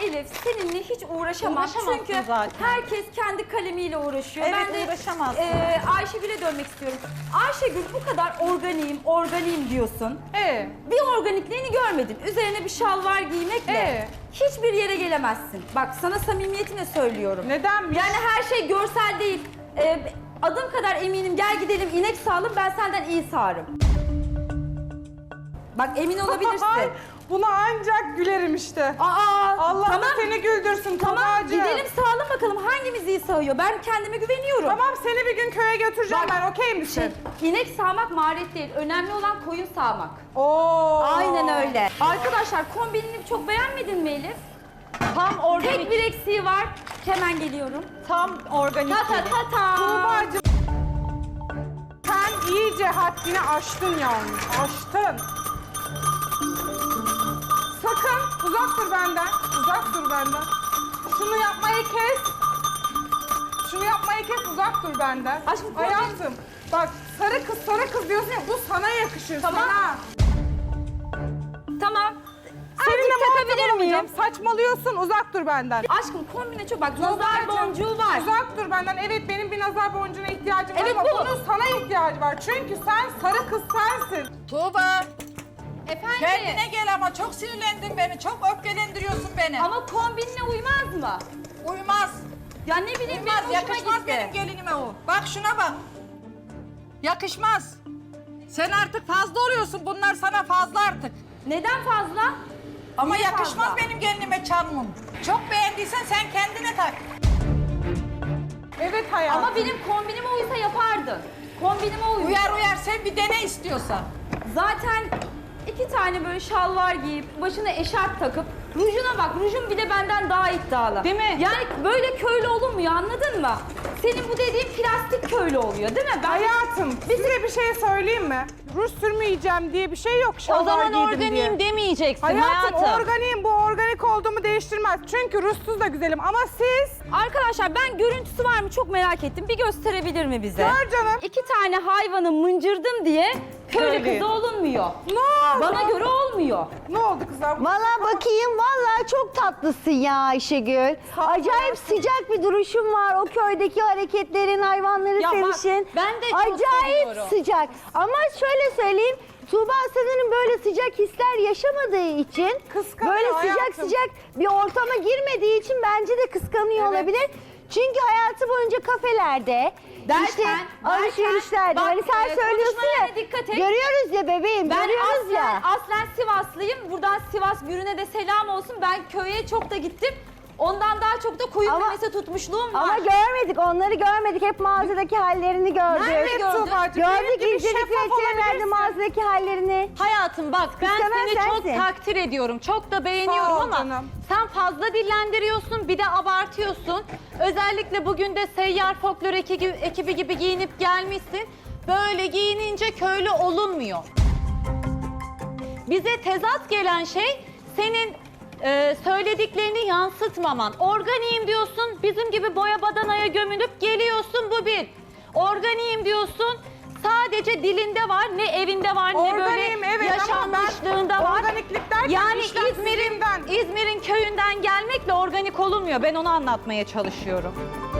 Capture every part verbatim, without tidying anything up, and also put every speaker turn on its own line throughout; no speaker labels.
Elif seninle hiç uğraşamam.
Uğraşamazsın
Çünkü
zaten.
herkes kendi kalemiyle uğraşıyor.
Evet,
ben de
uğraşamazsın.
e, Ayşegül'e dönmek istiyorum. Ayşegül bu kadar organiyim, organiyim diyorsun.
Ee,
Bir organikliğini görmedin. Üzerine bir şalvar giymekle
Ee?
hiçbir yere gelemezsin. Bak sana samimiyetimle söylüyorum.
neden?
Yani her şey görsel değil. Ee, adım kadar eminim, gel gidelim inek sağalım, ben senden iyi sağarım. Bak emin olabilirsin.
Buna ancak gülerim işte.
Aa,
Allah
tamam.
da seni güldürsün
Tamam,
Tuğba'cığım.
gidelim sağalım bakalım hangimiz iyi sağıyor. Ben kendime güveniyorum.
Tamam, seni bir gün köye götüreceğim
Bak,
ben, okey misin?
Şey, inek sağmak maharet değil. Önemli olan koyun sağmak.
Oo.
Aynen öyle. Arkadaşlar kombinini çok beğenmedin mi Elif?
Tam organik.
Tek bir eksiği var. Hemen geliyorum.
Tam organik.
Ta ta
gibi.
ta ta.
Tuğba'cığım. Sen iyice haddini aştın yalnız. Aştın. Sakın uzak dur benden. Uzak dur benden. Şunu yapmayı kes. Şunu yapmayı kes, uzak dur benden.
Aşkım,
hayatım. Bak, sarı kız sarı kız diyorsun ya, bu sana yakışır.
Tamam.
Sana.
Tamam.
Seninle
Azıcık takabilir
muhatap olamayacağım.
miyim?
Saçmalıyorsun, uzak dur benden.
Aşkım kombine çok bak nazar
Tuğba'cığım,
boncuğu var.
Uzak dur benden. Evet, benim bir nazar boncuğuna ihtiyacım
Evet,
var ama
bu.
bunun sana ihtiyacı var. Çünkü sen sarı kız sensin.
Tuğba,
Efendim?
kendine gel ama çok sinirlendin beni, çok öfkelendiriyorsun beni.
Ama kombinle uymaz mı?
Uymaz,
Ya ne bileyim
uymaz,
benim hoşuma
yakışmaz
gitti.
benim gelinime o. Bak şuna bak. Yakışmaz. Sen artık fazla oluyorsun, bunlar sana fazla artık.
Neden fazla?
Ama
Niye
yakışmaz
fazla?
benim gelinime çarmım. Çok beğendiysen sen kendine tak.
Evet hayatım.
Ama benim kombinime uysa yapardın. Kombinime uyuyor.
Uyar uyar, sen bir dene istiyorsan.
Zaten iki tane böyle şalvar giyip başına eşarp takıp rujuna bak, rujun bile benden daha iddialı.
Değil mi?
Yani böyle köylü olunmuyor, anladın mı? Senin bu dediğin plastik köylü oluyor değil mi? Ben
Hayatım, size bir şey söyleyeyim mi? Ruj sürmeyeceğim diye bir şey yok.
O
Şalvar
zaman
giydim
organiyim
diye.
demeyeceksin
Hayatım,
hayatım.
organiyim, bu organik olduğumu değiştirmez. Çünkü rujsuz da güzelim ama siz...
Arkadaşlar ben görüntüsü var mı çok merak ettim. Bir gösterebilir mi bize?
Gör canım.
İki tane hayvanı mıncırdım diye köylü
Söyleyeyim.
kızı olunmuyor.
Ne oldu?
Bana göre olmuyor.
Ne oldu kızım?
Valla bakayım, valla çok tatlısın ya Ayşegül. Acayip sıcak bir duruşun var. O köydeki hareketlerin, hayvanları
Ya bak,
sevişin.
ben de çok
Acayip
seviyorum.
sıcak. Ama şöyle söyleyeyim, Tuğba sanırım böyle sıcak hisler yaşamadığı için,
Kıskanıyor
böyle sıcak
hayatım.
sıcak bir ortama girmediği için bence de kıskanıyor
Evet.
olabilir. Çünkü hayatı boyunca kafelerde,
Derken,
işte
derken,
alışverişlerde,
bak,
hani sen
e,
söylüyorsun ya,
konuşmalarına dikkat et.
görüyoruz ya bebeğim,
Ben
görüyoruz
aslen,
ya.
aslen Sivaslıyım. Buradan Sivas Gürün'e de selam olsun. Ben köye çok da gittim. Ondan daha çok da koyun
Ama-
memesi tutmuşluğum var.
Ama görmedik, onları görmedik. Hep mağazadaki hallerini gördük.
Nerede gördün?
Tuğba'cığım, benim
Gördük,
gibi
izledik
şeffaf
veterinerlerde
olabilirsin.
mağazadaki hallerini.
Hayatım bak ben
İstemem
seni çok
sensin.
takdir ediyorum. Çok da beğeniyorum
Sağ ol
ama
canım.
sen fazla dillendiriyorsun bir de abartıyorsun. Özellikle bugün de seyyar folklor ekibi, ekibi gibi giyinip gelmişsin. Böyle giyinince köylü olunmuyor. Bize tezat gelen şey senin e, söylediklerini yansıtmaman. Organiyim diyorsun, bizim gibi boya badanaya gömülüp geliyorsun, bu bir. Organiyim diyorsun, sadece dilinde var, ne evinde var, ne böyle
Organiyim, evet, ama ben
yaşanmışlığında var.
organiklik derken
Yani
işlemsizliğimden.
İzmir'in İzmir'in köyünden gelmekle organik olunmuyor. Ben onu anlatmaya çalışıyorum.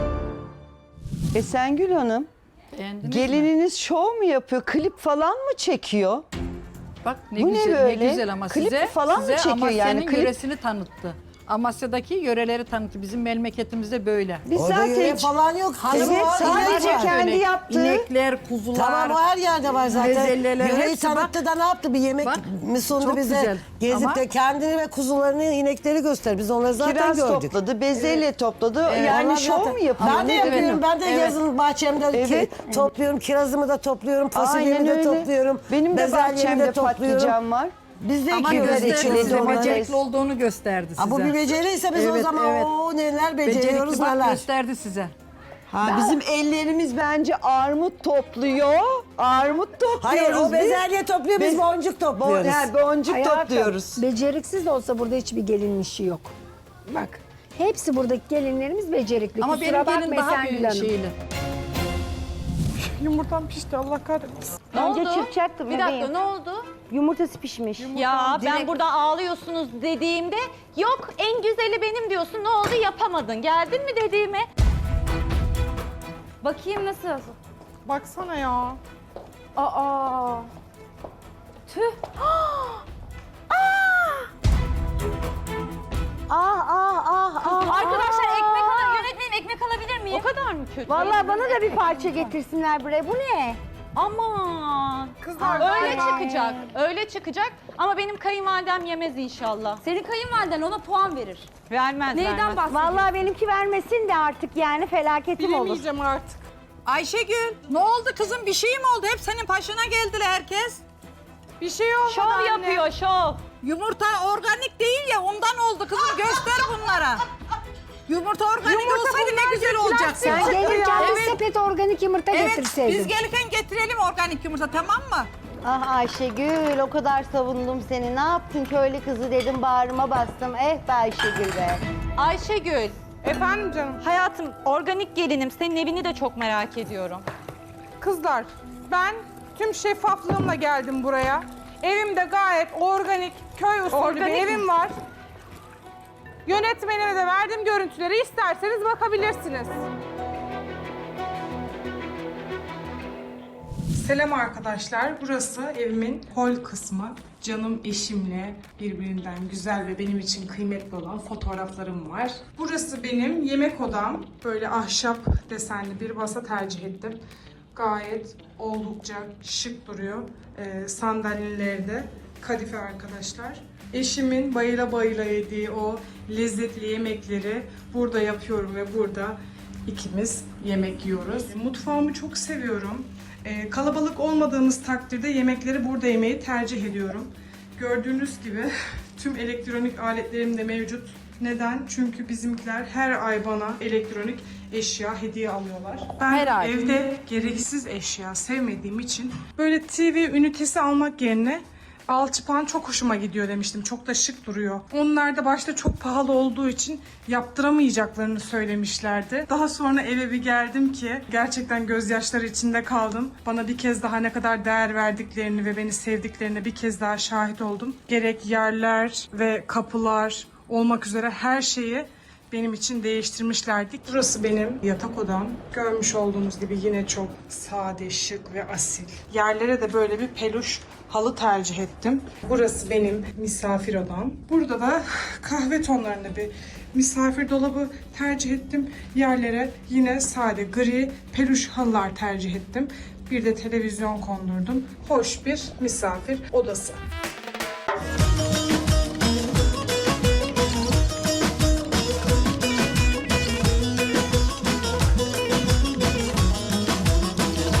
Esengül Hanım,
Beğendiniz mi?
gelininiz şov mu yapıyor, klip falan mı çekiyor?
Bak ne
Bu ne
güzel, ne,
böyle?
güzel ama
Klip
size,
falan mı
size
çekiyor
Amasya'nın
yani? Klip-
yöresini tanıttı. Amasya'daki yöreleri tanıttı. Bizim memleketimizde böyle.
Biz
Orada
zaten
yöre falan yok.
Evet,
Kızım, var,
sadece
inek var.
kendi
Böyle
yaptığı.
İnekler, kuzular.
Tamam, o her yerde var zaten.
bezelyeler,
Yüreği
hepsi bak.
tanıttı da ne yaptı? Bir yemek
Bak,
mi sundu
çok
bize?
güzel.
Gezip
Ama-
de kendini ve kuzularını, inekleri göster. Biz onları zaten
Kiraz
gördük.
topladı, bezelye topladı.
Evet,
yani
onlar
şov
zaten-
mu yapıyor?
Ben de
Ne
yapıyorum.
demek?
Ben de
Evet.
yazın bahçemde ki-
Evet.
topluyorum. Kirazımı da topluyorum.
Aynen
Fasulyemi de
öyle.
topluyorum.
Benim de
bezelyemi
bahçemde
de topluyorum.
patlıcan var.
Biz de
Ama
ekiyoruz,
gösterdi
içiyoruz
size,
onları.
becerikli olduğunu gösterdi size.
Ha, bu bir beceriyse biz o
Evet,
zaman
evet.
o neler
Becerikli,
beceriyoruz
bak,
neler.
gösterdi size.
Ha, bizim ellerimiz bence armut topluyor. Armut topluyoruz
Hayır, o
biz.
bezelye topluyor, biz
Biz-
boncuk
Bon,
topluyoruz.
he, boncuk
Hayatım,
topluyoruz.
beceriksiz de olsa burada hiçbir gelin işi yok. Bak, hepsi buradaki gelinlerimiz becerikli.
Ama
Kusura
benim gelin
bakma
daha
Esengül
büyük
Hanım.
şeyli.
Yumurtam pişti, Allah kahretsin.
Ne
Önce
oldu?
çırpacaktım
Bir
bebeğim.
dakika ne oldu?
Yumurtası pişmiş.
Ya ben
Direkt-
burada ağlıyorsunuz dediğimde yok en güzeli benim diyorsun. Ne oldu yapamadın? Geldin mi dediğime?
Bakayım nasıl?
Baksana ya.
Aa. Tüh.
Ah ah ah ah.
Arkadaşlar ekmek al yönetmenim ekmek alabilir miyim?
O kadar mı kötü?
Vallahi bana da bir parça getirsinler buraya. Bu ne?
Aman.
Kızlar
Öyle
galiba-
çıkacak. Öyle çıkacak. Ama benim kayınvalidem yemez inşallah.
Senin kayınvaliden ona puan verir.
Vermez
Neyden
vermez.
bahsediyorsun?
Vallahi benimki vermesin de artık yani felaketim olur.
Bilemeyeceğim artık.
Ayşegül ne oldu kızım bir şey mi oldu? Hep senin başına geldiler herkes.
Bir şey olmadı
Şov
anne.
yapıyor şov.
Yumurta organik değil ya ondan oldu kızım göster bunlara. Yumurta organik
Yumurta
olsaydı ne güzel olacaktı.
Sen gelirken bir
Evet.
sepet organik yumurta
Evet
getirseydin.
biz gelirken getirelim organik yumurta tamam mı?
Ah Ayşegül o kadar savundum seni. Ne yaptın köylü kızı dedim bağrıma bastım. Eh be Ayşegül be.
Ayşegül.
Efendim canım.
Hayatım organik gelinim. Senin evini de çok merak ediyorum.
Kızlar ben tüm şeffaflığımla geldim buraya. Evimde gayet organik, köy usulü
Organik
bir
mi?
evim var. Yönetmenime de verdiğim görüntüleri isterseniz bakabilirsiniz. Selam arkadaşlar. Burası evimin hol kısmı. Canım eşimle birbirinden güzel ve benim için kıymetli olan fotoğraflarım var. Burası benim yemek odam. Böyle ahşap desenli bir masa tercih ettim. Gayet oldukça şık duruyor. Ee, sandalyeleri de kadife arkadaşlar. Eşimin bayıla bayıla yediği o lezzetli yemekleri burada yapıyorum ve burada ikimiz yemek yiyoruz. Mutfağımı çok seviyorum. Ee, kalabalık olmadığımız takdirde yemekleri burada yemeyi tercih ediyorum. Gördüğünüz gibi tüm elektronik aletlerim de mevcut. Neden? Çünkü bizimkiler her ay bana elektronik eşya hediye alıyorlar. Ben
Her ay.
evde gereksiz eşya sevmediğim için böyle T V ünitesi almak yerine alçıpan çok hoşuma gidiyor demiştim. Çok da şık duruyor. Onlar da başta çok pahalı olduğu için yaptıramayacaklarını söylemişlerdi. Daha sonra eve bir geldim ki gerçekten gözyaşları içinde kaldım. Bana bir kez daha ne kadar değer verdiklerini ve beni sevdiklerine bir kez daha şahit oldum. Gerek yerler ve kapılar olmak üzere her şeyi benim için değiştirmişlerdi. Burası benim yatak odam. Görmüş olduğunuz gibi yine çok sade, şık ve asil. Yerlere de böyle bir peluş halı tercih ettim. Burası benim misafir odam. Burada da kahve tonlarında bir misafir dolabı tercih ettim. Yerlere yine sade gri peluş halılar tercih ettim. Bir de televizyon kondurdum. Hoş bir misafir odası.